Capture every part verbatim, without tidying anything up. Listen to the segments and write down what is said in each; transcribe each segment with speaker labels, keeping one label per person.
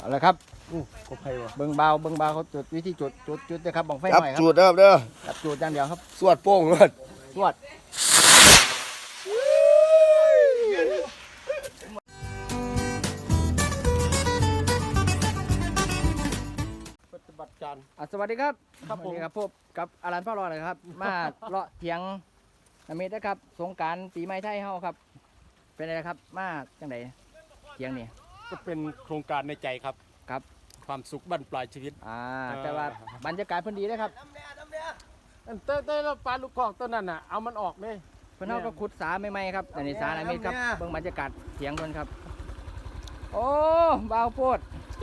Speaker 1: เอาละครับ
Speaker 2: กบไผ่วะ
Speaker 1: เบิ่งเบาเบิ่งเบาเขาจุดวิธีจุดจุดจุดนะครับบังไฟห
Speaker 2: จับ
Speaker 1: น่อยครั
Speaker 2: จู
Speaker 1: บ
Speaker 2: ดเด้อเด้อ
Speaker 1: จับจุดอย่างเดียวครับ
Speaker 2: สวดโป้งเลย
Speaker 1: สวด
Speaker 2: ปฏิบัติการ
Speaker 1: อ่ะสวัสดีครับ
Speaker 2: ครับผม
Speaker 1: สวัสดีครับพบกับอารันพ่อรอดเลยครับ มาเลาะเถียงนามิตนะครับสงกรานต์ปีใหม่ไทยเฮาครับ เป็นไงครับมาจังไดเถียงนี่
Speaker 3: ก็เป็นโครงการในใจครับ
Speaker 1: ครับ
Speaker 3: ความสุขบั้นปลายชีวิต
Speaker 1: อ่า
Speaker 3: เออ
Speaker 1: แต่ว่าบรรยากาศเพิ่นดีนะครับ
Speaker 3: อันเต้เต้แล้วปลาลูกกอกตัวนั้นน่ะเอามันออกเลย
Speaker 1: เพิ่นเฮาก็ขุดสาใหม่ๆครับอันนี้สานามิตครับเบิ่งบรรยากาศเถียงเพิ่นครับ โอ้บ่าวโพด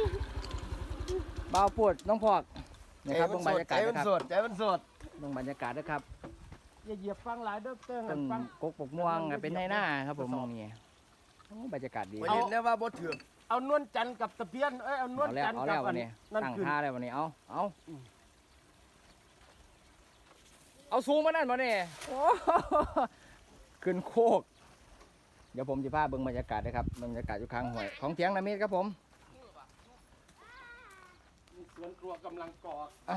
Speaker 1: บ่าวโพดน้องพอกนะครับเบิ่งบรรยากาศ
Speaker 2: ใจมัน
Speaker 1: นะครับ
Speaker 2: สดใจมันสด
Speaker 1: เบิ่งบรรยากาศนะครับ
Speaker 3: อย่าเหยียบฟังหลายเด้อเต้
Speaker 1: ต้
Speaker 3: หั
Speaker 1: น
Speaker 3: นฟัง
Speaker 1: กกปกม่วงอ่ะเป็นไทหน้าครับผมมองนี่โอ้บรรยากาศดี
Speaker 2: วันนี้เนี่ยว่าบ่ถือ
Speaker 3: เอานวลจันทร์กับตะเพียนเอ้ยเอานวล
Speaker 1: เอาแล้ว
Speaker 3: จันทร์
Speaker 1: เอา
Speaker 3: กั
Speaker 1: แล้
Speaker 3: บ
Speaker 1: ว
Speaker 3: อั
Speaker 1: วัน
Speaker 3: น
Speaker 1: นี้
Speaker 3: นั่น
Speaker 1: ตั้ง
Speaker 3: คือ
Speaker 1: ท่าแล้ววันนี้เอาเอา
Speaker 3: อืม
Speaker 1: เอาสูงมานั่นมาเนี่ยโอ้ขึ้นโคก เดี๋ยวผมจะพาเบิ่งบรรยากาศนะครับบรรยากาศอยู่ข้างห้วยของเถียงนามิตครับผม
Speaker 3: สวนครัวกำลังก่อ
Speaker 1: อ่า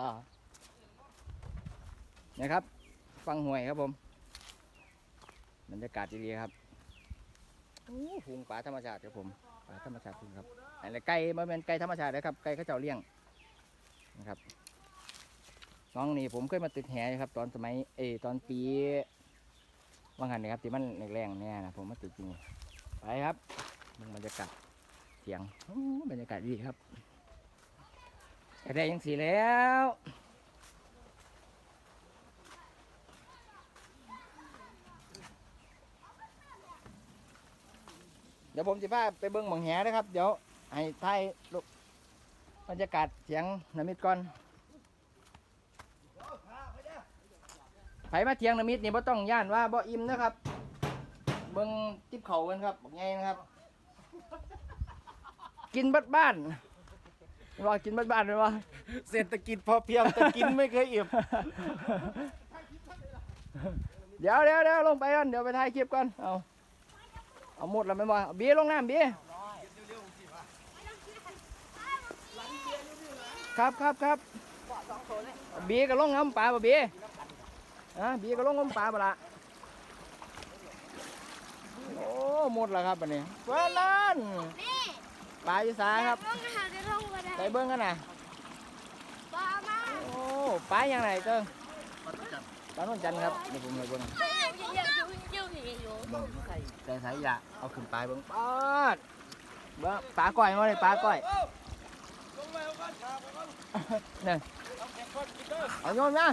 Speaker 1: นะครับฟังห้วยครับผมบรรยากาศดีๆครับโอ้ฝูงป่าธรรมชาติครับผมป่าธรรมชาติจริงครับอันนี้ไก่มันเป็นไก่ธรรมชาตินะครับไก่เขาเจ้าเลี้ยงนะครับน้องนี่ผมเคยมาติดแหอยู่ครับตอนสมัยเอยตอนปีว่างหันนี่ครับที่มันแรงๆเนี่ยนะผมมาติดจริงไปครับมึงบรรยากาศเสียงโอ้บรรยากาศดีครับได้ยังสีแล้วเดี๋ยวผมจะพาไปเบิ้งหมองแหนะครับเดี๋ยวให้ถ่ายรูปบรรยากาศเสียงนามิตก่อนไผมาเทียงนามิตนี่บ่ต้องย่านว่าบ่อิ่มนะครับเบิ้งติ๊บเข่ากันครับบอกไงนะครับ กินบ้านบ้านรอกินบ้านบ้านไหมวะ
Speaker 3: เศรษฐกิจพอเพียงแต่กินไม่เคยอิ่ม
Speaker 1: เดี๋ยวเดี๋ยวเดี๋ยวลงไปก่อนเดี๋ยวไปถ่ายคลิปก่อนเอาเอาหมดแล้วไหมวะเอาเบียร์ลงน้ำเบียร์ครับครับครับเบียร์ก็ลงน้ำปลาป่ะเบียร์อ่ะเบียร์ก็ลงน้ำปลาป่ะละโอ้หมดแล้วครับอันนี้เพื่อนนั่นปลาอยู่สาครับ
Speaker 4: ต้องหากระทงก็ได้
Speaker 1: ไปเบิ้งกันนะ
Speaker 4: ปลามา
Speaker 1: โอ้ปลาอย่างไรเติ้งปลาโนนจันทร์ครับเดี๋ยวผมไปเบิ้ง
Speaker 4: เยอะเยอะเยอะเยอะอยู่
Speaker 1: แต่สายยาเอาขึ้นปลายเบิ้งปาดเบิ้งปลาก้อยมาเลยปลาก้อยเนี่ยเอาโยนนะ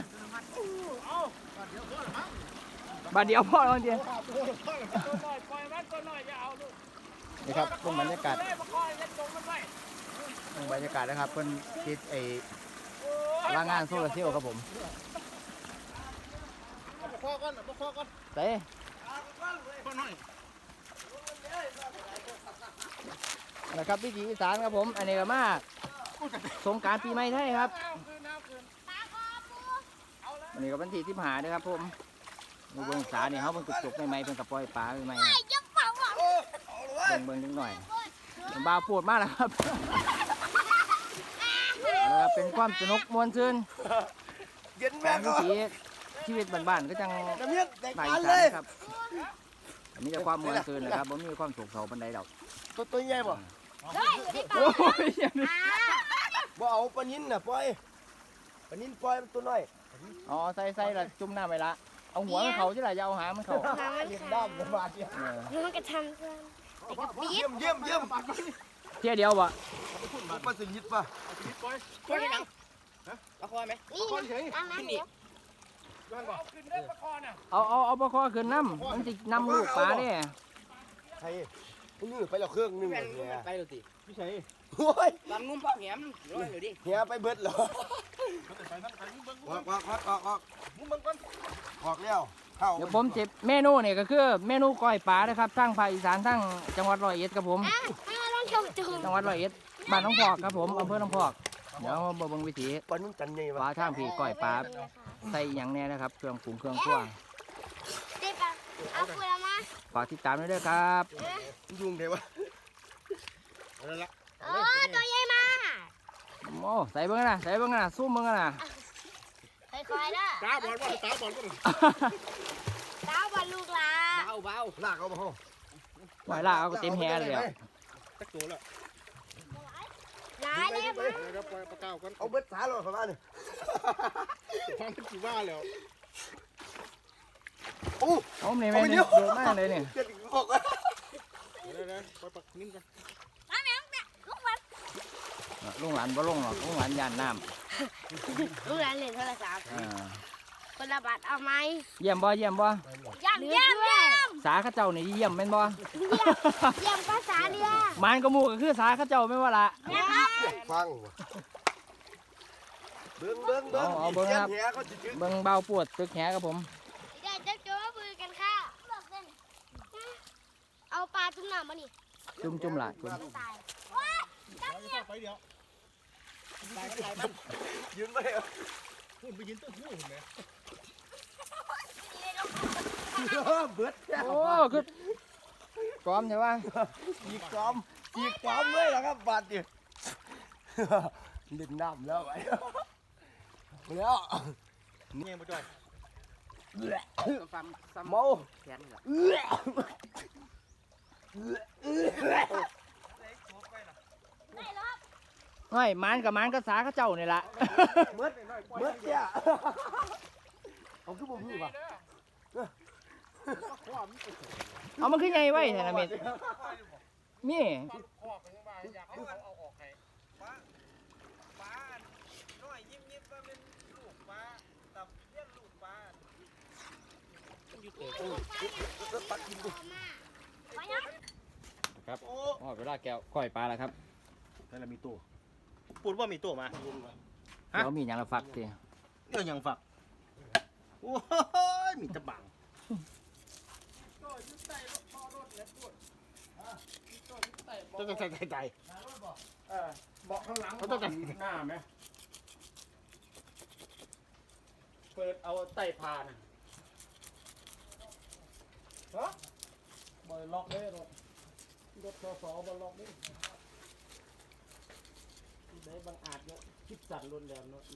Speaker 1: บาดเดียวพ่อแล้วจริง
Speaker 3: ตัวน้อยปล่อยมันตัวน้อยอย่าเอาลูก
Speaker 1: นี่ครับเบิ้งบรรยากาศ
Speaker 3: เฮ้ยมาคอยเล่นตรงมันไป
Speaker 1: เบิ้งบรรยากาศนะครับเพิ่นติดไอ้ว่างงานโซลาร์เซลล์ครับผม
Speaker 2: เอาบ่คอก่อนเอาบ่คอก่อน
Speaker 1: เต้
Speaker 2: บ่น้อย
Speaker 1: นะครับวิถีอีสานครับผมอันนี้ก็มาสงกรานต์ปีใหม่ไทยครับ
Speaker 4: ปลาคอปู
Speaker 1: อันนี้ก็วันที่สิบห้านะครับผมมือเบิ้งสาเนี่ยเขาเพิ่งจุกๆใหม่ๆเพิ่งกับปล่อยปลาใหม่ๆครับ
Speaker 4: ไอ้ยักษ์เป่าอ่ะ
Speaker 1: เบิ้งเบิ้งนิดหน่อยบาวปวดมากแล้วครับแล้วก็เป็นความสนุกมวลซื่น
Speaker 2: เย็นแม่
Speaker 1: การวิ
Speaker 2: ก็
Speaker 1: ถีชีวิตบ้านๆก็จัง
Speaker 2: น้ำเย็นแต่
Speaker 1: หลาย
Speaker 2: การ
Speaker 1: อี
Speaker 2: เล
Speaker 1: สาน
Speaker 2: ย
Speaker 1: นะครับอันนี้จะความมวลซื่นนะครับผมมีความสุขเสาบันไดดอก
Speaker 2: ตัวตัวใหญ่บ่
Speaker 4: เฮ้ยอยู่ในปลา
Speaker 1: โอ้ยอย่างนี้
Speaker 2: บ่เอาปลานินน่ะปล่อยปลานินปล่อยมันตัวน้อย
Speaker 1: อ๋อใส่ใส่ละจุ่มน้ำไปละเอาหัวมันเขาใช่ไหมจะเอาหางมันเขา
Speaker 4: หางมัน
Speaker 2: เลี้ยง
Speaker 4: ขา
Speaker 2: ด้า
Speaker 4: ด
Speaker 2: มในบาทเดียว
Speaker 1: เออ
Speaker 4: มันกระทำกันแต่กระปี๊
Speaker 2: เยี่
Speaker 4: ด
Speaker 2: ยมเยี่ยมเยี่ยม
Speaker 1: เที่ยเดียวบ่
Speaker 2: เอาปลาสลิดป่ะ
Speaker 4: นี่นะตามนั้นเดี๋ยว
Speaker 3: เอาขึ้นได้ประคอน่ะ
Speaker 1: เอาเอาเอาปลาคอขึ้นน้ำมันจะนำลูกปลาเนี่ย
Speaker 2: ใช่นี่ไปแล้วเครื่องหนึงเนี่ย
Speaker 5: ไปเลยสิ
Speaker 3: พี่ชัย
Speaker 2: โอ้ย
Speaker 5: ลำงุ้มปักแหมร้อยเลยดิ
Speaker 2: เฮียไปเบิดเหรอ
Speaker 3: ไปนั่นไปนี่เบิ้ง
Speaker 2: ออกออกออกออกออกมึงเบิ่งก่อนออกแล้วเข้า
Speaker 1: เดี๋ยวผมจะเมนูเนี่ยก็คือเมนูก้อยปลานะครับทั้งภาคอีสานทั้งจังหวัดร้อยเอ็ดครับผม
Speaker 4: อ่ะมาลองชมจุ่ม
Speaker 1: จังหวัดร้อยเอ็ดบ้านน้องพอกครับผมอำเภอน้องพอกเดี๋ยวมาเบิ่งวิถี
Speaker 2: ปลานินจันใหญ่
Speaker 1: ป
Speaker 2: ป่ะ
Speaker 1: ลาท่ามผีก้อยปลาใส่อหย่างแน่นะครับเครื่องปรุงเครื่องครัว
Speaker 4: ได้ปลาเอาเปลือกมา
Speaker 1: ฝากติดตามด้วยเด้อครับ
Speaker 2: ยุ่งเดี๋ยววะเอาละ
Speaker 4: โอ้ตัว
Speaker 1: อ้ใส่เบิ้งนะใส่เบิ้งนะซุ่มเบิ้งนะ
Speaker 4: ค่อยๆนะ
Speaker 3: ตาบอลบ่ตาบอลบ่
Speaker 4: ตาบอลลูกหลา
Speaker 5: เบาเบา
Speaker 2: ลากเอามาห้อง
Speaker 1: ไหวล่าเอาก็เต็มแฮเลยอ่ะ
Speaker 3: ตักตัวแล้ว
Speaker 4: หลายเลยมั้ง
Speaker 3: นะครับปล่อยปลาเก้ากัน
Speaker 2: เอาเบ็ดสาลงเข้ามานี่
Speaker 3: ฟังเป็นกี่ว่าแล้ว
Speaker 2: โอ้
Speaker 1: โอ้นี่แม่นี่เยอะมากเลยเนี่ย
Speaker 2: เจ็ดหกอ่ะ
Speaker 3: เดี๋ยวๆปล่อยปลานิ่มกัน
Speaker 4: มาแม่งเนี่ยลูกบอล
Speaker 1: ลุงหลานบ่ลงหรอกลุงหลานยานน้
Speaker 4: ลูกหลานเล่นโทรศัพท์
Speaker 1: ำอ่า
Speaker 4: คนละบาทเอาไหม
Speaker 1: เยี่ยมบ่เยี่ยมบ่
Speaker 4: ย่ำย่ำย่
Speaker 1: สาข้าเจ้านี่เยี่ยมแม่นบ่
Speaker 4: ำเยี่ยมภาษาเรือ
Speaker 1: มันก็หมู่ก็คือสาข้าเจ้าแม่นว่าล่ะ
Speaker 4: แม่ครับ
Speaker 2: ฟังเบิ้งเบิ้งเบิ้ง
Speaker 1: เอาเอาเบิ่งครับ
Speaker 2: เฮียเขาจะถึง
Speaker 1: เบิ่งเบาปวดตึกแหครับผม
Speaker 4: เดี๋ยวจะโจ้มือกันค่ะเอาปลาทุ่งน้ำมานี่
Speaker 1: จุ่มจุ่มๆล่ะจุ่ม
Speaker 4: ตายว้า
Speaker 3: ไปเดี๋ยว
Speaker 2: ยืนไม่เอา
Speaker 3: พูดไปยินต้นหูเห็นไหม
Speaker 2: เบิดแค่
Speaker 1: โอ้คือกอมใช่ป่ะ
Speaker 2: จีกความจีกความเลยนะครับบาดเดียวเล่นน้ำแล้วไปแล้ว
Speaker 3: นี่มาจ่อย
Speaker 5: ซ้ำซ้ำ
Speaker 2: เมา
Speaker 5: แขนนี่แหละ
Speaker 2: เอื้อ
Speaker 1: เฮ้ยมันกับมันก็สาข้าเจ้านี่ล่ะ
Speaker 2: เบิดเบิดเนี่ยเอาขึ้นบนมือป่ะ
Speaker 1: เอามันขึ้นไงไว้เนี่ยนะเม็ดนี่
Speaker 3: ข้อเป็นยังไงอยากให้เขาเอาออกให้
Speaker 6: ป้าน้อยยิ้มยิ้มว่าเป็นลูกป้าตับเลี้ยงลูกป้า
Speaker 2: ปักกินดู
Speaker 4: ไปยัง
Speaker 1: ครับอ๋อเวลาแก้วก้อยปลาแล้วครับ
Speaker 6: นั่นแหละมีตัวปูดว่ามีตัวมา
Speaker 1: เรามีอย่างละฟักที
Speaker 6: เรื่องยังฝักโอ้ยมีตะบัง
Speaker 3: ต้องใส่ใส่ใส่เออเบาะข้างหลังเขาต้องใส่หน้าไหมเปิดเอาไต่พานฮะบอยล็อกได้รถรถสอสอบอยล็อกได้ได้บางอาจเนาะคิดสั่นรุนแรงเนาะ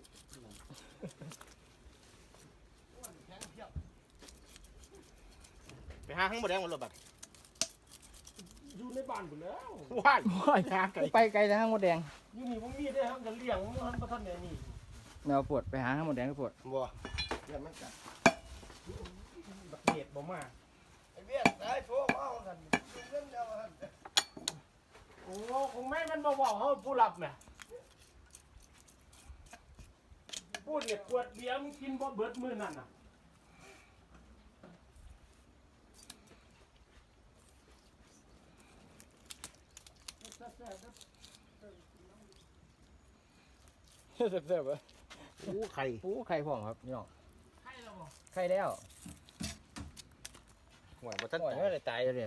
Speaker 6: ไปหาข้างบนแดงหมดเลยบัด
Speaker 3: อยู่ในบ้านไปแล้ว
Speaker 6: ว้าย
Speaker 1: ว้ายไปไกลแต่ห้างมดแดง
Speaker 3: อยู่นี่ผมมีได้ครับจะเลี้ยงมันประทันเนี่ยนี่
Speaker 1: แนวปวดไปหาห้างมดแดงก็ปวด
Speaker 2: บัวเดี๋ยวมันกัด
Speaker 3: บักเด็ดบ่มา
Speaker 2: ไอ้เบี้ยไอ้โฟมเอากันเล่นเดียวกัน
Speaker 3: โอ้คงแม่มันบ่บอกเขาผู้หลับแม่พูดเด็ดขวดเบียร์มึงกินบ่เบิดมื้อนั่นน่ะ
Speaker 1: เสียบๆอ่ะ
Speaker 6: โอ้ไข่
Speaker 1: ปูไข่พ่องครับพี่น้อง
Speaker 3: ใช่แล้วบ่
Speaker 1: ไข่แล้ว
Speaker 6: ห่วยบ่ทัน
Speaker 1: โอ้ย
Speaker 6: ตาย
Speaker 1: ไม่ได้ตายเลย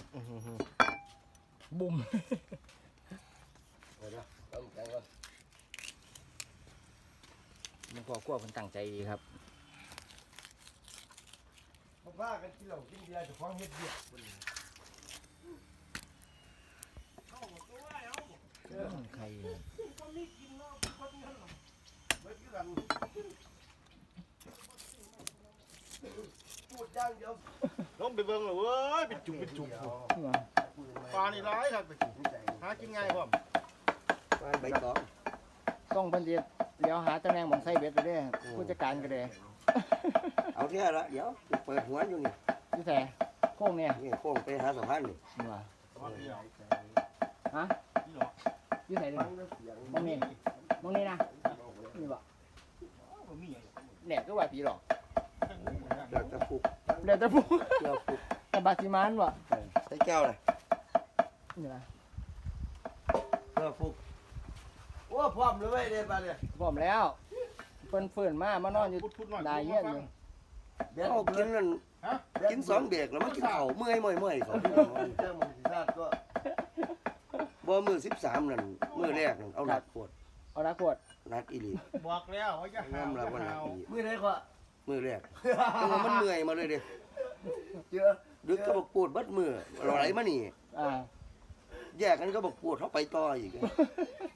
Speaker 1: บุ่ม
Speaker 2: เดี๋ยวเอาแกงก่อน
Speaker 1: มันก็กลัวคนตั้งใจดีครับ
Speaker 2: พวกว่ากันกินเหล้ากินเบียร์จะฟ้องเฮ็ดเบียร์
Speaker 1: ไข่
Speaker 2: เบิดคือกันพูดอย่างเดียว
Speaker 6: ลงไปเบิ่งเลยเว้ยเป็นจุ่มเป็นจุ่มปลานี่ร้ายครับหากินง่ายพร้อม
Speaker 2: ใบตอง
Speaker 1: ต้องเพิ่นสิเดี๋ยวหาตำแหน่งบ่งไส้เบ็ดไปเด้อผู้จัดการก็ได้
Speaker 2: เอาเท่าละเดี๋ยวเปิดหัวอยู่นี่
Speaker 1: อยู่แท้โค้งเนี่ย
Speaker 2: นี่โค้งไปหาสะพานนี่
Speaker 1: นี่ว่า
Speaker 6: นี่หรอ
Speaker 1: ฮะ
Speaker 6: นี่หรอ
Speaker 1: อยู่ไหนนี่มองนี่มองนี่นะนี่บ่
Speaker 6: บ่มี
Speaker 1: เนี่ยก็ว่าผีหรอก
Speaker 2: เดี๋ยวจะปลุก
Speaker 1: เดี๋ยวจะพูด
Speaker 2: เดี๋ยวปลุก
Speaker 1: แต่บาสิมานบ่
Speaker 2: ใส่แก้วเลย
Speaker 1: นี่ล่ะ
Speaker 2: เดี๋ยวปลุกโอ้พร้อมเลยเว้ยเด็ดมาเนี่ย
Speaker 1: พร้อมแล้วเพิ่นฟื้นมามานอนอยู่
Speaker 6: พูดๆหน่อย
Speaker 1: ได้เงี้ยอยู่
Speaker 2: เดี๋ยวกินนั่นกินสองเบรกแล้วมันกินเข่าเมื่อยเมื่อยเมื่อยเขาเจ้ามันสิชาติก็บ่มือสิบสามนั่นมือแรกนั่นเอาหนักปวด
Speaker 1: เอาละขวด
Speaker 2: หนักอีหลี
Speaker 6: บอกแล้วว่าจะหา
Speaker 2: น้ำละวันหนักอีหลี
Speaker 7: มือไหนก็
Speaker 2: มือแรกแต่ว่ามันเมื่อยมาเลยเด้
Speaker 7: เจอ
Speaker 2: ดึกก็บอกปวดบัดมือไหลมานี่
Speaker 1: อ่า
Speaker 2: แยกกันก็บอกปวดเขาไปต่ออีก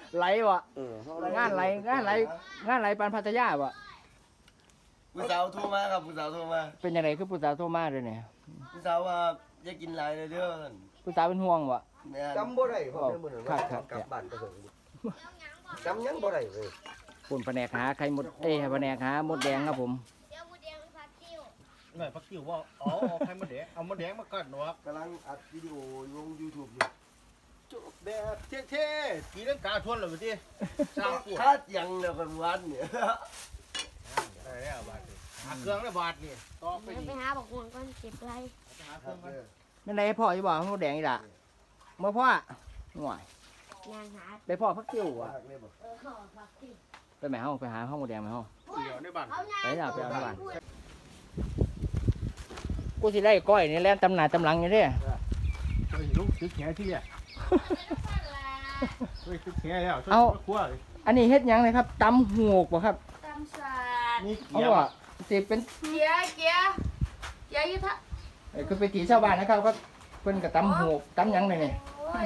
Speaker 1: ไหลวะ
Speaker 2: เออง
Speaker 1: านไหลงานไหลงานไหลปานพัทยาวะ
Speaker 2: ผู้สาวโทรมาครับผู้สาวโทรมา
Speaker 1: เป็นยังไงคือผู้สาวโทรมาเลยเนี่ย
Speaker 2: ผู้สาวว่าอยากกินหลายเลยเด้อนั่น
Speaker 1: ผู้สาวเป็นห่วงวะ
Speaker 2: แม่นจำบ่ได้พ่อแม่มื้อนั้น
Speaker 1: ครับครับ
Speaker 2: กลับบ้านไปเถอะจำหยังบ่ได้เลย
Speaker 1: ปุ่นแผนกหาไข่มดเอ้ยแผนกหามดแดงครับผม
Speaker 4: เดี๋ยวมูเดียงไปพักคิว
Speaker 3: หน่อยพักกิ้วว่าอ๋อเอาใครมาแดงเอามาแดงมากัดหนวก
Speaker 2: กำลังอัดวิดีโอลง YouTube อยู่
Speaker 3: จุกแบบเท่ๆกีเล่นกาทวนเลยพี่สร้างปวด
Speaker 2: คาดยังแล้วกันวันเนี่ย
Speaker 3: อะไรเนี่ยบาทนี่หาเครื่องได้บาทนี่ต่อไป
Speaker 4: เดี๋ยว
Speaker 3: นี่
Speaker 4: ไปหาบอกห่วงก่อนเก็บไร
Speaker 3: หาเครื่องกัน
Speaker 1: นั่นไหนพ่อจะบอกมดแดงอีกละเมื่อพ่อห่วย
Speaker 4: งานหา
Speaker 1: ไปพ่อพักกิ้วอ่ะ
Speaker 4: เออพักคิว
Speaker 1: ไปแม่ห้องไปหาห้องมดแดงไหมห้อง
Speaker 3: เดี๋ยวในบ้าน
Speaker 4: เอางาน
Speaker 1: ไปจ้ะไปเอาที่บ้านกูสิได้ก้อยนี่แล่นตำหนาตำหลังอยู่เด้
Speaker 3: เฮ้ยลูกซื้อแขนที่อ่ะเฮ้ยซื้อแขนแล้วช่วยคั่วเลย
Speaker 1: อันนี้เฮ็ดหยังเลยครับตำหูกบ่ครับ
Speaker 4: ตำสาด
Speaker 3: นี่
Speaker 1: เอา
Speaker 3: เกี๊ยว
Speaker 1: บ่สิเป็น
Speaker 4: เกียร์เกียร์เกียร์ยุทธะ
Speaker 1: เอ้ยคือไปตีชาวบ้านนะครับก็เพิ่นก็ตำหูกตำหยังเลยนี่
Speaker 4: โอ้ย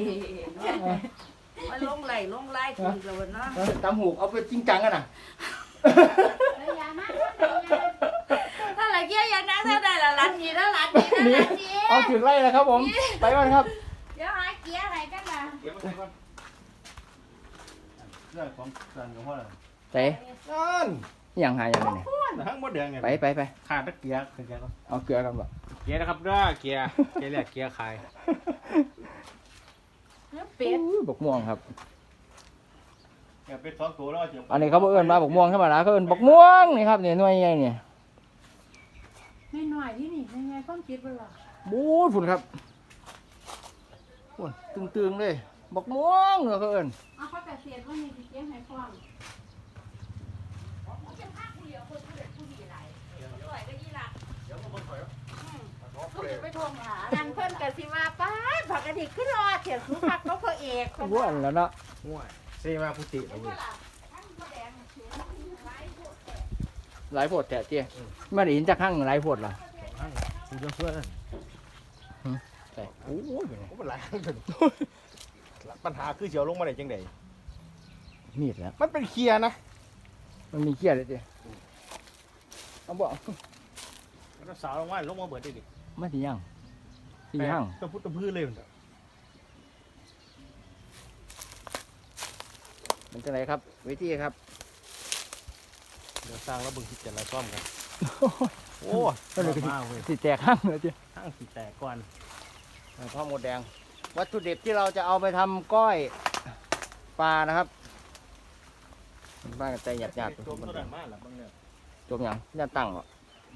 Speaker 7: มันลงไหลลงไหลคุยกันเนาะ
Speaker 1: เออตำหูกเอาไปจริงจังกันน่ะ
Speaker 4: เฮ้ยอย่ามา
Speaker 7: ถ้าไหลเกี้ยอย่างนั้นถ้าได้ละลันดีแล้วลันดีแล้ว
Speaker 1: นี่
Speaker 7: ลันดี
Speaker 1: เอาถึงไล่แล้วครับผม ไปก่อนครับ
Speaker 7: เดี๋ยวหาเกี้ยอะไรกันล่ะ
Speaker 3: เกี๊ยวมาใส่ก่อนเรื่องของสั่นกับพ่อเลย
Speaker 1: เต๋
Speaker 3: นั่น
Speaker 1: หยังหาอย่างนี้
Speaker 3: ทั้งหมดแดงเนี่ย
Speaker 1: ไปไปไป
Speaker 3: ขาดตะเกียร์ตะเกียร์ก็
Speaker 1: เอาเกลือกันบ่
Speaker 3: เกียร์นะครับเด้อเกียร์เกียร์แรกเกียร์ขาย
Speaker 7: เนื้อเป็ด
Speaker 1: อู้บกม่วงครับ
Speaker 3: เกียร์เป็ดสองตัวแล้วเจียว
Speaker 1: อันนี้เขาบ่เอิ้นว่าบกม่วงธรรมดาเขาเอิ้นบกม่วงนี่ครับนี่หน่วยใหญ่นี่
Speaker 7: ไม่หน่อยที่นี่ยังไงต้องคิดเวลา
Speaker 1: บู๊ดฝุ่นครับฝุ่นตึงๆเลยบกม่วงเหรอเขาเอิ้น
Speaker 7: เอาเขาแต่เสียว่ามีเกี้ยให้ฟังไปทวงหานันเพิ่นกับสิมาป้าผักกระดิกขึ้นรอเถียงสุผักก็พระเอก
Speaker 1: บ้วนแล้วเนาะ
Speaker 3: ง่วยเซมาพุติเอาเว้ย
Speaker 1: หลายโพดแต่เตี้ยมาได้ยินจากข้างหลายโพดล่ะ
Speaker 3: คุณจะเพื่อน
Speaker 1: แต่โอ้ยเป็นไง
Speaker 3: ผมเป็นไรปัญหาคือเสียวลงมาได้จังได
Speaker 1: มีดแล้ว
Speaker 3: มันเป็นเคียร์นะ
Speaker 1: มันมีเขี้ยเลยเตี้ยเอาบ่
Speaker 3: แล้วสาวลงมาลงมาเบิดได้ดิ
Speaker 1: มาสิยังสิยัง
Speaker 3: ต้องพูดตะพื้นเลยมัน
Speaker 1: มันจะไหนครับวิธีครับ
Speaker 3: เดี๋ยวสร้างแล้วเบิ่งคิดจะอะไรซ่อมกันโอ้
Speaker 1: ก็เลยก็สิ
Speaker 3: มาเว้ย
Speaker 1: สิแตกข้างเลยเตี้ย
Speaker 3: ห้างสีแตกก่อน
Speaker 1: ข้าวหมดแดง วัตถุดิบที่เราจะเอาไปทำก้อยปลานะครับบ้านกันใจหยาบหยาบ
Speaker 3: จมตัวนั้นมาหรอบ้างเนี่ย
Speaker 1: จมยังย่าตั้งเหรอ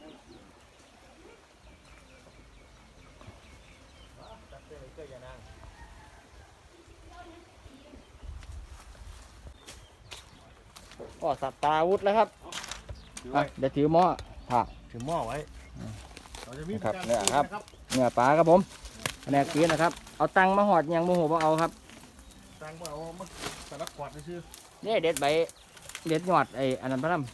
Speaker 1: ก็สับตาวุธแล้วครับ
Speaker 3: ถือ
Speaker 1: อ่ะ
Speaker 3: ไว้
Speaker 1: เดี๋ยวถือหม้อผัก
Speaker 3: ถือหม้อไว้เราจะมี
Speaker 1: ครับ
Speaker 3: การ
Speaker 1: เนี่ยครับ
Speaker 3: นะครับ
Speaker 1: เนื้อปลาครับผมแผนกเกียนะครับ เอาตังค์มาหอดยังโมโหบ่เอาครับ
Speaker 3: ตั้งว่าเอามาสลักกวาดไปซื้อ
Speaker 1: นี่เด็ดใบเด็ดยอดไอ้อันนั้นพะน้ำ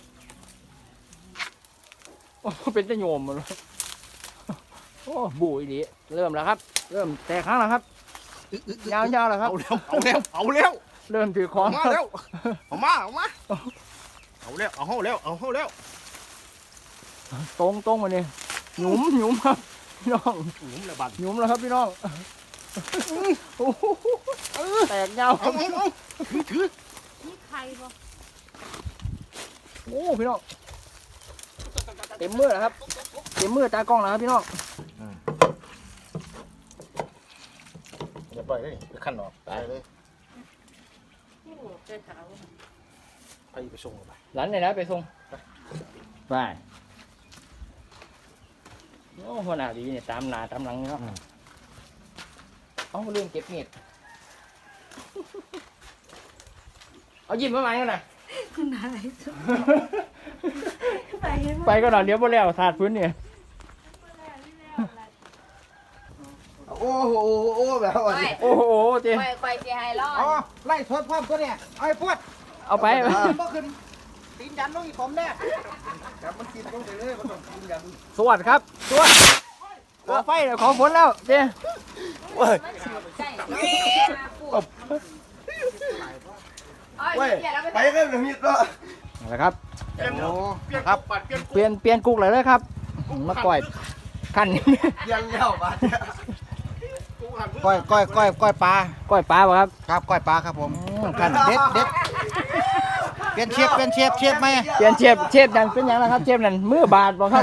Speaker 1: โอ้เป็นตะโยมหมดเลยโอ้บุยดีเริ่มแล้วครับ เริ่มแตกครั้งแล้วครับยาวๆแล้วครับ
Speaker 3: เอาแล้วเอาแล้วเอาแล้ว
Speaker 1: เริ่มถือของ
Speaker 3: เอามาแล้วเอามาเอามาเอาแล้วเอาเข้าแล้วเอาเข้าแล้ว
Speaker 1: ตรงตรงมาเนี่ยหยุมหยุมครับพี่น้อง
Speaker 3: หนุ่มระบาด
Speaker 1: หยุมแล้วครับพี่น้องโอ้โหแตกยาวค
Speaker 3: เอา
Speaker 1: รับ
Speaker 3: เอาเอาถือถือ
Speaker 7: นี่ใครบ่
Speaker 1: โอ้พี่น้องเต็มมือแล้วครับเต็มมือตากล้องแล้วครับพี่น้อง
Speaker 3: อย่าปล่อยเลยไปขั้นหรอกตายเลย
Speaker 7: โอ้เจ้าสาว
Speaker 3: ไปไปส่งไป
Speaker 1: หลันเลยนะไปส่งไปโอ้หัวหน้าดีเนี่ยตามหน้าตามหลังนี่ครับเอาลืมเก็บมีดเอายิ้มมาไหมกันนะ
Speaker 7: คุณนายไปเห็น
Speaker 1: ไปก็หน่อยเดี๋ยวบ่แล้วถาดพื้นเนี่ย
Speaker 2: โอ้โหโอ้แบบว่า
Speaker 1: โอ้โหเจ๊
Speaker 7: ไปไปสิให้รอด
Speaker 3: อ๋อไล่ทดพร้อมตัวเนี่ยเอาไอ้พวด
Speaker 1: เอาไป
Speaker 3: บ่ขึ้นตีนยันลงอีกผมแน่
Speaker 2: จับมันกินลงไปเลยมันต้องกินอย่าง
Speaker 1: สวัสดีครับสวัสดีขอไฟเดี๋ยวของฝนแล้วเจ๊
Speaker 2: โอ้ย
Speaker 7: ใช่
Speaker 2: เว้ยไปกันน้ำมิดเนาะ
Speaker 1: เอาละครับ
Speaker 3: เปลี่ยน
Speaker 1: โอ้
Speaker 3: เปลี่ยน
Speaker 1: ครับ
Speaker 3: ปัดเปลี่ยน
Speaker 1: เปลี่ยนเปลี่ยนกุ๊กเลยเลยครับมาก่อยขั้น
Speaker 2: ยังเล่าบาด
Speaker 3: กูหันเพื่
Speaker 5: ก้อยก้อยก้อยก้อยปลา
Speaker 1: ก้อยปลาบ่ครับ
Speaker 5: ครับก้อยปลาครับผม
Speaker 1: อืมขั้น
Speaker 5: เด็ดเด็ดเปลี่ยนเชฟเปลี่ยนเชฟเชฟไหม
Speaker 1: เปลี่ยนเชฟเชฟนั่นเป็นหยังนะครับเชฟนั่นมือบาดบ่ครับ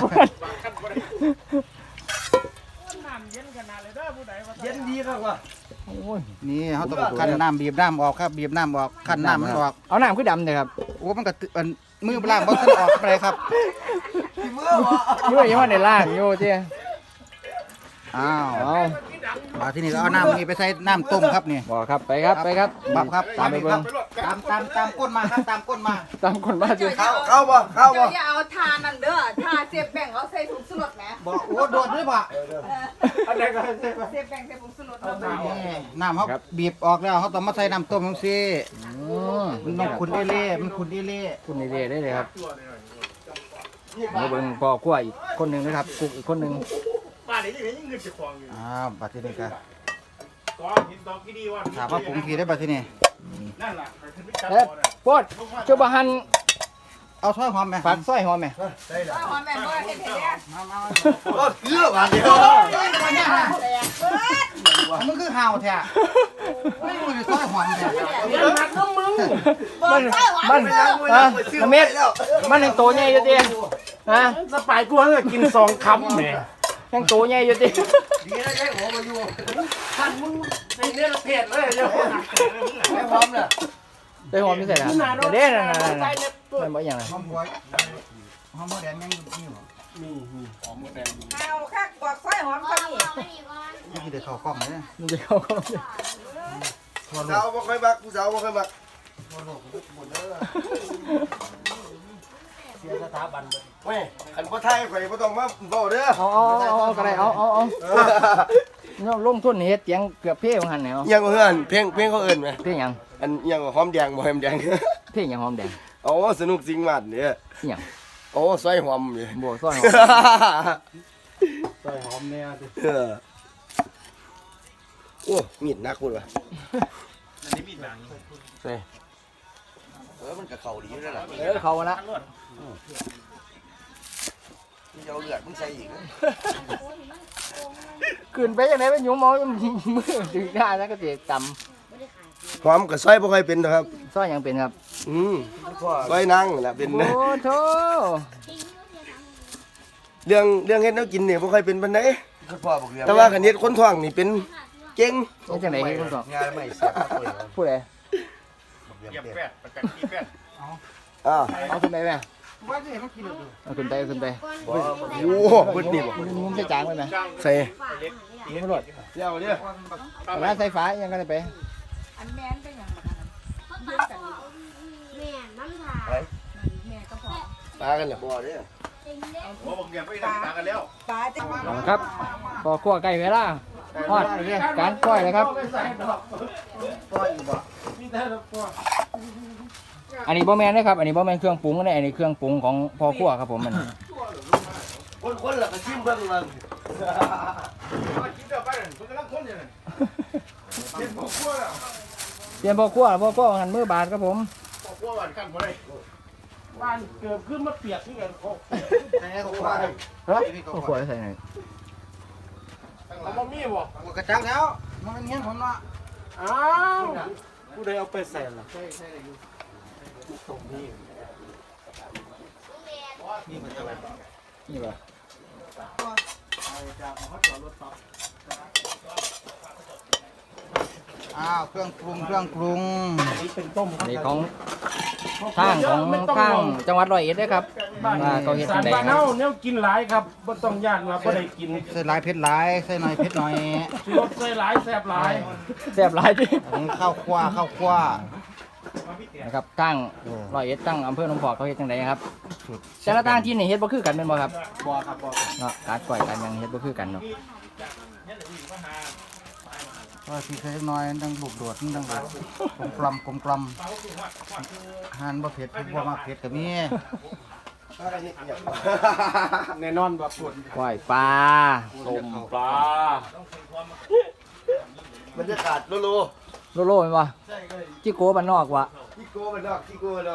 Speaker 3: น้ำเย็นขนาดเลยเด้อผู้ใดว่า
Speaker 2: เย็นดีครับว่ะ
Speaker 1: โอ้ย
Speaker 5: นี่เขาต้องคั้นน้ำบีบน้ำออกครับบีบน้ำออกคั้นน้ำมันออก
Speaker 1: เอาน้ำขึ้นดำเลยครับ
Speaker 5: โอ้มันก็ตึอันมือล่างบ่ทันออกไปเลยครับ
Speaker 2: ที่มือวะ
Speaker 1: เมื่อยังว่าในล่างอยู่เจ้
Speaker 5: อ้าว
Speaker 1: เอา
Speaker 5: มาที่นี่ก็เอาน้ำนี่ไปใส่น้ำต้มครับนี่
Speaker 1: บ่ครับไปครับไปครับ
Speaker 5: บับครับ
Speaker 1: ตามไปเบิ่ง
Speaker 5: ตามตามตามก้นมาครับตามก้นมา
Speaker 1: ตามคนมาสิ
Speaker 2: เข้าเข้าบ่เข้าบ่
Speaker 7: เดี๋ยวอย่าเอาทานนั่นเด้อทาเสียบแบ่งเอาใส่ถุงสลดแหม
Speaker 5: บอกโอ้โดดด้วยบ่
Speaker 3: อันไหนก็ได้
Speaker 7: เสียบแบ่งใส่ถุงสลดเอาไป
Speaker 5: นี่น้ำเขาบีบออกแล้วเขาต้องมาใส่น้ำต้มจังซี่
Speaker 1: อืม
Speaker 5: มันต้องขุนเล่ๆมันขุนเล่
Speaker 1: คุณนี่เด้เลยครับมาเบิ่งพ่อขั้วอีกคนหนึงนะครับกุ๊กอีกคนหนึง
Speaker 3: บ้านนี้ยังยังเงินจะฟองอยู่
Speaker 5: ๆอ้าวบัดที่นี่ก็
Speaker 3: ตอนหินตอนกี่ดีว่า
Speaker 5: ถามว่าปรุงทีได้บัดที่นี่
Speaker 3: นั่นแหละไปถึงพิจาร
Speaker 1: เอ๊ะ
Speaker 3: ณา
Speaker 1: โพดช่วยบ่หัน
Speaker 5: เอาถ้วยหอมไหม
Speaker 1: ฝากซอยหอมไหม
Speaker 7: เอาหอมแม่บ่เฮ็ดให้แน่
Speaker 5: มามา
Speaker 2: ก็เกือบบาดเดียว
Speaker 5: มันคือห่าวแท้มันคือถ้วยหอมแท้
Speaker 1: มันมันฮะน้ำเม็ดมันยังโตใหญ่อยู่ติฮะ
Speaker 3: สปายกูให้กินสองคำแหม
Speaker 1: ยังโตใหญ่อยู่ติ
Speaker 2: ดีนะใช้หัวมาอยู่
Speaker 3: ท่านมึงในเนื้อเผ็ดเลยเจ้า
Speaker 2: ไม่พร้อมน่ะ
Speaker 1: ได้หอมอยู่ใส่ล่ะเด้นั่นๆๆมันบ่อย่างนั้น
Speaker 5: หอมบัวหอมบัวแดงยังอยู่นี่หรอ
Speaker 7: เอาคักบอกซอยหอมก็นี่
Speaker 5: นี่คือเดี๋ยวเข้ากล้องเลยนะ
Speaker 1: มันจะเข้าเข้า
Speaker 5: ทั่วโล
Speaker 2: สาว
Speaker 5: ก
Speaker 2: บ่ค่อยมักผู้สาวบ่ค่อยมัก เว้ยอันพ่อไทยข่อยบ่ต้องมาเว้าเด้อ
Speaker 1: เอาเอาเอาเอาก็ได้เอาเอาเอาเนี่ยลงทุนเฮ็ดเสียงเกือบเพ่ของหันแนว
Speaker 2: ยังบ่เฮือนเพลงเพลงเขาเอิ้นไหม
Speaker 1: เพ่หยัง
Speaker 2: อันยังหอมแดงบ่หอมแดง
Speaker 1: เพ่หยังหอมแดง
Speaker 2: โอ้สนุกจริงมากเด้อ
Speaker 1: อิหยัง
Speaker 2: โอ้ซอยหอมนี่
Speaker 1: บ่ซอยหอม
Speaker 3: ใส่หอมเนี่ย
Speaker 2: เออโอ้มีดหนักพุ่นว่ะ
Speaker 3: อันนี้มีดหนัง
Speaker 1: ใส่
Speaker 2: เออมันก็เข้าดีอยู่แล้วล่ะ
Speaker 1: เออเขาละ
Speaker 2: มึงจะเอาเลือดมึงใส่อีกนะ
Speaker 1: ขึ้นไปจังได๋ไปหยุมเอามือดึงหน้าแล้วก็สิตำ
Speaker 2: หอมก็ซอยบ่ค่อยเป็นนะครับ
Speaker 1: ซอยหยังเป็นครับ
Speaker 2: อืมซอยนางนั่นล่ะเป็น
Speaker 1: โอ้
Speaker 2: นะ
Speaker 1: โธ
Speaker 2: เรื่องเรื่องเฮ็ดแนวกินนี่บ่ค่อยเป็นปานใดแต่ว่าคันเฮ็ดคนท้องนี่เป็นเก่ง
Speaker 1: นี่จังได๋เฮ็ดคุณสอง
Speaker 2: งานไม่เสียครับเลย
Speaker 1: ผู้ใด
Speaker 3: เหยียบแปดประกันที่แปด
Speaker 2: อ่า
Speaker 1: เอาขึ้นไปแม่
Speaker 5: ว่าจะเห็นมันกินดู
Speaker 1: เอาขึ้นไปเอาขึ้นไป
Speaker 2: โอ้เบิดนี่บ่
Speaker 1: งุ้มใส่จานไว้ไหม
Speaker 2: ใส่
Speaker 1: งุ้มรถ
Speaker 2: เดี๋ยวเดี๋ยว
Speaker 1: ร้านไฟฟ้ายังก็ได้ไป
Speaker 7: อันแม่นเป็นหยังบักอันนั้นยืนกันอยู่
Speaker 4: แม่น้ำถ่า
Speaker 7: แม่ก็พอ
Speaker 2: ปลากันเหรอบ่เด้อ
Speaker 3: หัวผมเหยียบไปต่างกันแล้ว
Speaker 7: ปลาจะ
Speaker 1: เอาละครับพอคั่วไก่เวลาทอดการก้อยแล้วครับ
Speaker 3: มีแต่พวก
Speaker 1: อันนี้บ่แม่นนะครับ อันนี้บ่แม่นเครื่องปรุงนะอันนี้เครื่องปรุงของพ่อครัวครับผมมัน
Speaker 2: คนๆล่ะก็ชิมเบิ่งว่า
Speaker 3: กินเดี๋ยวไปเลยคุณกำลังคนอยู่เลยเห็นพวกพวกแล้ว
Speaker 1: เตรียมพ่อครัวพ่อครัวหันมือบาดครับผม
Speaker 3: พวกพวกบ้านกันบ่ได้บ้านเกิดขึ้นมาเปียกที่กันโคก
Speaker 5: ไหนเขาควาย
Speaker 1: เฮ้ยพ่อครัวใส่ไหน
Speaker 3: เขาบ่มีบ่
Speaker 5: กระจังแล้วมันเป็นเงี้ยผมเนาะ
Speaker 3: อ้าวผู้ใดเอาไปใส่ล่ะ
Speaker 1: นี่ป่ะ
Speaker 5: อ้าวเครื่องปรุงเครื่องปรุง
Speaker 3: เป็นต้ม
Speaker 1: อันนี้ของทางของทางจังหวัดร้อยเอ็ดนะครับว่าเขาเฮ็ด
Speaker 3: สา
Speaker 1: จั
Speaker 3: รง
Speaker 1: ได๋
Speaker 3: บ้าน
Speaker 1: ครั
Speaker 3: เฮา
Speaker 1: บ
Speaker 3: แนวกินหลายครับบ่ต้องย่านว่าบ่ได้กิน
Speaker 5: ใส่หลายเผ็ดหลายใส่หน่อยเผ็ดหน่อย
Speaker 3: ชูรสใส่หลายแซ่บหลาย
Speaker 1: แซ่บหลายติ
Speaker 5: อันนี้ข้าวคั่วข้าวคั่ว
Speaker 1: นะครับทางร้อยเอ็ดตั้งอำเภอหนองพอกเขาเฮ็ดจังไดครับแต่ละทางที่นี่เฮ็ดบ่คือกันแม่นบ่ครับ
Speaker 3: บ่ครับบ่
Speaker 1: เนาะการก้อยการหยังเฮ็ดบ่คือกันเนาะ
Speaker 5: ก็ที่ใส่หน่อยดังลูกโดดดังแบบกลมกลมกลมกลมหั่นบ่เผ็ดบ่มาเผ็ดก็มี
Speaker 3: แน่นอนบ่ปวด
Speaker 1: ก้อยปลา
Speaker 3: ต้มปลา
Speaker 2: บรรยากาศโลโล
Speaker 1: โลโลแม่นบ่จิโก้บ้านนอกวะ
Speaker 2: พี่โก้มันดอกขี้โก้มันดอก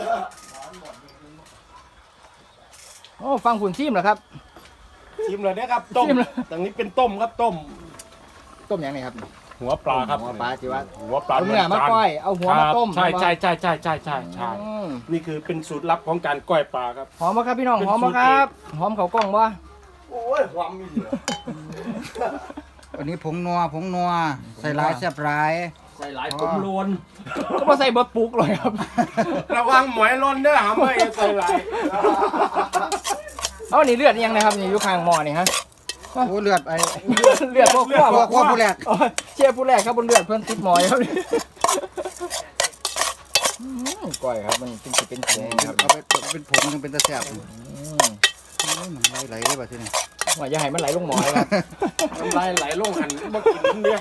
Speaker 1: โอ้ฟังคุณซิมเหรอครับ
Speaker 3: ชิมเลยนะครับต้ม
Speaker 1: ชิมเลย
Speaker 3: ตรงนี้เป็นต้มครับต้ม
Speaker 1: ต้มยังไงครับ
Speaker 3: หัวปลาครับ
Speaker 1: หัวปลาที่ว่า
Speaker 3: หัวปลา
Speaker 1: เอาเนื้อมาก้อยเอาหัวมาต้ม
Speaker 3: ใช่ใช่ใช่ใช่ใช่ใช่ใช่
Speaker 1: อืม
Speaker 3: นี่คือเป็นสูตรลับของการก้อยปลาครับ
Speaker 1: หอมปะครับพี่น้อง
Speaker 3: เป็น
Speaker 1: หอมปะ
Speaker 3: สูตร
Speaker 1: ค
Speaker 3: เอก
Speaker 1: รับหอมเขากล้องปะ
Speaker 2: โอ้ยความมีเหลือ
Speaker 5: วันนี้ผงนัวผงนัวใส่หลายแซ่บหลาย
Speaker 3: ใส่หลายผมโลน
Speaker 1: ก็มาใส่เบอร์ปลุกเลยครับ
Speaker 3: ระวังหมอยลนเด้อหาไม่ใส่หลาย
Speaker 1: เอานี่เลือดยังนะครับนี่อยู่ข้างหม้อนี่ฮะ
Speaker 5: โอ้เลือดไอ้
Speaker 1: เลือดพวกข้อ
Speaker 5: พวกพวกผู้แรก
Speaker 1: โอ้ยเชี่ยผู้แรกครับบนเลือดเพิ่นติดหมอยครับอืมก้อยครับมันเป็นสิเป็นแกงครับ
Speaker 5: เอาไปเป็นผงยังเป็นตะแซ่บ
Speaker 1: อืม
Speaker 5: โอ้ยมันไหลๆได้ป่ะทีนี้
Speaker 1: ว่าอย่าให้มันไหลลงหมอเลยครับ
Speaker 3: น้ำลายไหลลงหันมากินเนี่ย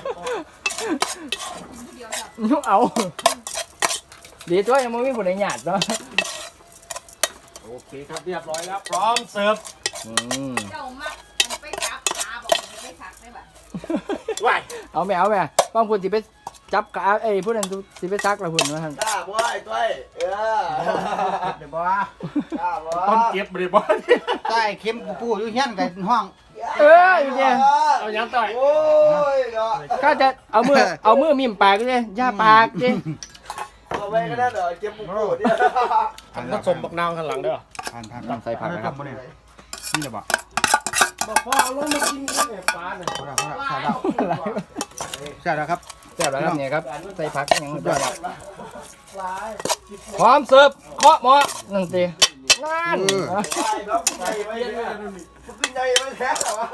Speaker 1: ยุเอาดีจ้อยยังไม่มีผู้ใดหยาดเนาะ
Speaker 3: โอเคครับเรียบร้อยแล้วพร้อมเสิร์ฟ
Speaker 1: อืม
Speaker 7: เจ้ามักมันไปจับขาบอกมันไปสักได้บ่
Speaker 3: ไหว
Speaker 1: เอาแม่เอาแม่บางคนสิไปจับขาเอ้ยผู้นั้นสิไปซักละหุ่นว่าหั่น
Speaker 2: กล้าบ่ไอ้ต้อยเออ
Speaker 5: เดี๋ยวบ่
Speaker 2: กล้าบ่
Speaker 3: ต้นเก็บเลยบอส
Speaker 5: ใต้เข็มปูอยู่เฮียนกับห้อง
Speaker 1: เอออยู่เนี่ย
Speaker 3: เอายังต่อย
Speaker 2: โอ้ยเนาะ
Speaker 1: ข้าจะเอามือเอามือมิ่มปากเลยย่าปากจิ
Speaker 2: เอาไว้ก็ได้เด้อเก็บปุ๊บๆเนี่ย
Speaker 3: ผสมบักนาวข้างหลังเด้อ
Speaker 5: ผ่านผ่าน
Speaker 1: ต้องใส่ผักนะครับ
Speaker 5: นี่แหละบ่
Speaker 3: บอกพ่อเอาลงมากินกันเนี่ยปลาเนี่ย
Speaker 5: พอแล้วพอแล้วใส่แล้วใส่แล้วครับ
Speaker 1: แซ่บแล้วครับเนี่ยครับใส่ผักอย่างนี้ด้วยครับพร้อมเสิร์ฟเคาะหม้อนั่นสินั่น
Speaker 2: ใส่แล้วใส่ไว้เนี่ยขึ้นใหญ่ไว้แท้เหรอวะ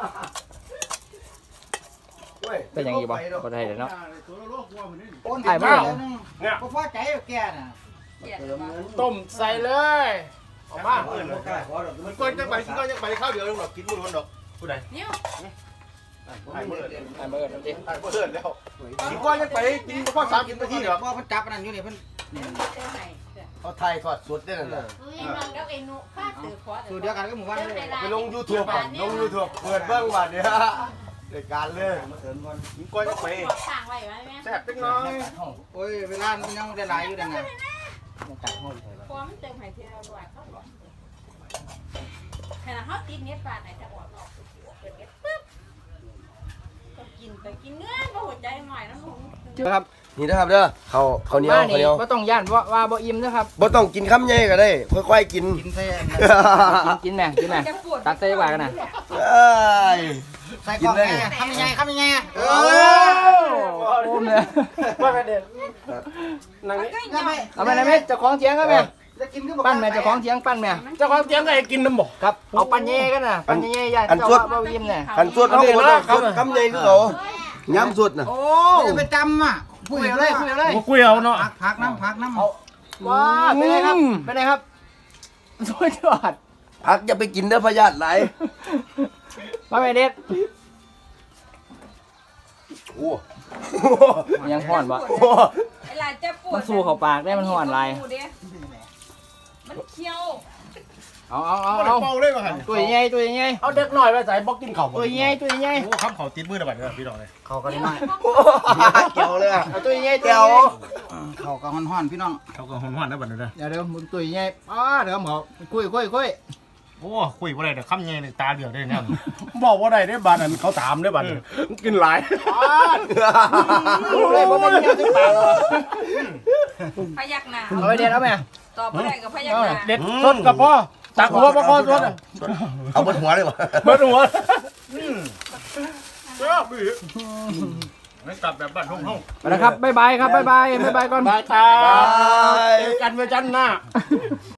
Speaker 2: เว้ย
Speaker 1: เป็นอย่างนี้บ่บ่ได้เลยเนาะ
Speaker 5: โอน
Speaker 1: ไอ้บ้า
Speaker 3: เนี่ย
Speaker 5: บ่พอใจแกน่ะ
Speaker 3: ต้มใส่เลยออกมา
Speaker 2: เออบ่กล้าขอดอกมัน
Speaker 3: ก้อยจังไปก้อยจังไปข้าวเดียวนึงดอกกินมื้อล้วนดอกผู้ใด
Speaker 7: นิ้ว
Speaker 2: ไอ้เมื่อ
Speaker 1: ไอ้เมื่อนั่นสิ
Speaker 3: ไอ้เพื่อนแล้วกินก้อยจังไปกินพ่อสามกินนาทีเหรอ
Speaker 5: บ่เพิ่นจับอันนั้นอยู่นี่เพิ่น
Speaker 7: เจ้าไหนเจ้า
Speaker 2: เอาไทยทอดสดได้นั่นน่ะ
Speaker 7: เฮ้ยน้องเดี๋ยวไอ้หนูข้าตือขอ
Speaker 5: สูตรเดียวกันกับหมู่บ้านเลย
Speaker 2: ไปลง YouTube ก่อนลง YouTube เปิดเบิ่งบัดเนี่ยรายการเลยมาเถินก่อน
Speaker 3: กินก้อยจังไป
Speaker 7: สั่งไว้ไหมแม่
Speaker 3: แซ่บจังน้อย
Speaker 5: โอ้ยเวลามันยังได้หลายอยู่ดังไง
Speaker 7: พอมันเติมให้ทีละบาทเขาบอกขณะเขาติดเน็ตบาทไหนจะออกออกเปิดเน็ตปึ๊บก็กินไปกินเนื้อก็หัวใจหน่อยนะลุง
Speaker 1: เจอครับ
Speaker 2: นี่นะครับเด้อข้าวข้าวเหนียว
Speaker 1: มา
Speaker 2: ข้าวเหนียว
Speaker 1: บ่ต้องย่านว่าว่าบ่อิ่มนะครับ
Speaker 2: บ่ต้องกินคำใหญ่ก็ได้ค่อยๆกิน
Speaker 5: กินใส่
Speaker 1: กินกินแม่กินแม่ตักใส่บากันนะ
Speaker 2: เอ้ย
Speaker 5: ใส่กล่องไงทำยังไงทำยังไงเอ
Speaker 1: โอ้
Speaker 5: อ
Speaker 1: โหเนี่ย
Speaker 3: ว่าไงเด็ดนั่งนี่
Speaker 5: แล้วไม่
Speaker 1: เอาแม่นะแม่เจ้าของเถียงครับแม่
Speaker 5: แล้วกินก็
Speaker 1: ปั้นแม่เจ้าของเถียงปั้นแม่
Speaker 3: เจ้าของเตียงก็ให้กินน้ำบ่
Speaker 1: ครับเอาปั้นเย่กันนะปั้นเย่ย่านเจ้าว่าบ่อิ่มเนี่ย
Speaker 2: คันสดเฮาก็บ่ต้องสดคำใหญ่คือเขาย้ำสดน่ะ
Speaker 1: โอ้
Speaker 5: จะไปจำอ่ะ
Speaker 1: คุยเลยคุยเลย
Speaker 3: บ่คุยเอาเนาะ
Speaker 5: พักพักน้ำพักน้ำ
Speaker 1: ว้าเป็นไงครับเป็นไงครับสุดยอด
Speaker 2: พักอย่าไปกินเด้อพยาธิหลาย
Speaker 1: มาแม่เด็ด
Speaker 2: โอ้
Speaker 1: ยังห่อนบ่
Speaker 2: โห
Speaker 7: เวลาจะปว
Speaker 1: มั
Speaker 7: ด
Speaker 1: นสู้เข้าปากได้มันห่อนลาย
Speaker 7: มันเคี้ยว
Speaker 1: เอาเอาเอา
Speaker 3: เอา
Speaker 1: เอา
Speaker 3: เป่าเลยมาหัน
Speaker 1: ตัวใหญ่ตัวใหญ่
Speaker 3: เอาเด็กหน่อยไปใส่บอกกินข้าว
Speaker 1: ตัวใหญ่ตัวใหญ่
Speaker 3: โอ้คำเขาติดมือระบาดเลยพี่น้องเลย
Speaker 5: เขาก็ได้มา
Speaker 2: เกี่ยวเลยอะ
Speaker 1: เอาตัวใหญ่ตัว
Speaker 2: เกี่
Speaker 1: ให
Speaker 2: ยว
Speaker 1: ญ่
Speaker 5: เขาก็ห่อนๆพี่น้อง
Speaker 3: เขาก็หอนๆนะบัดนี้
Speaker 1: เดี๋ยวเดี๋ยวมึงตัวใหญ่อ้าเดี๋ยวผมคุยคุยคุย
Speaker 3: โอ้คุยว่าไรเดี๋ยวคำเงี้ยตาเหลือกได้เนี่ยบอกว่าไรได้บัดนั้นเขาถามได้บัดกินหลาย
Speaker 1: รู้เลยว่ามันเยอะถึงปาก
Speaker 7: พยักหน้า
Speaker 1: เอาไปเด็ดเอาไหม
Speaker 7: ตอบไม่ได้กับพยักหน้า
Speaker 3: เด็ดสดกับพ่อตักหัวพ่อพ่อสด
Speaker 2: เอาบนหัวเลยวะ
Speaker 3: เบิดหัวเจ้าพี่ไม่กลับแบบบ้านห้องห้อง
Speaker 1: ไปแล้วครับบ๊ายบายครับบ๊ายบายบ๊ายบายก่อน
Speaker 3: บายตาเจอกันเมื่อจันทร์หน้า